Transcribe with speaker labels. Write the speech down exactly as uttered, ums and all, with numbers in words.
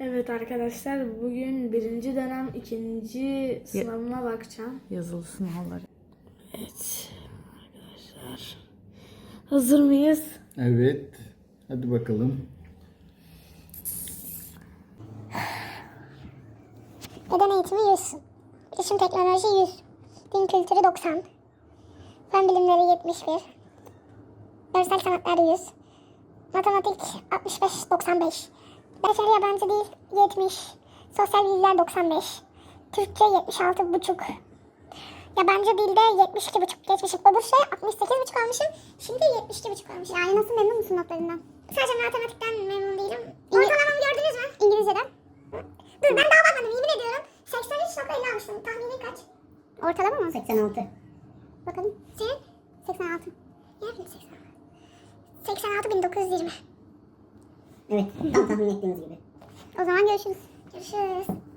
Speaker 1: Evet arkadaşlar, bugün birinci dönem ikinci sınavıma bakacağım.
Speaker 2: Yazılı sınavları.
Speaker 1: Evet arkadaşlar, hazır mıyız?
Speaker 3: Evet. Hadi bakalım.
Speaker 4: Beden eğitimi yüz. İletişim teknoloji yüz. Din kültürü doksan. Fen bilimleri yetmiş bir. Görsel sanatlar yüz. Matematik altmış beş doksan beş. Beşeri yabancı dil yetmiş. Sosyal bilgiler doksan beş. Türkçe yetmiş altı buçuk. Yabancı dilde yetmiş iki buçuk geçmişim. Öbür şey altmış sekiz buçuk almışım. Şimdi yetmiş iki buçuk almışım. Yani nasıl, memnun musun notlarından? Sadece matematikten memnun değilim. Ortalamamı gördünüz mü? İngilizceden. Dur, ben daha bakmadım, yemin ediyorum. seksen üç nokta elli almıştım. Tahminin kaç? Ortalama mı? seksen altı. Bakalım. Senin? seksen altı. Nerede seksen altı? seksen altı bin dokuz yüz yirmi.
Speaker 5: Evet, tam tahmin ettiğiniz gibi.
Speaker 4: O zaman görüşürüz. Görüşürüz.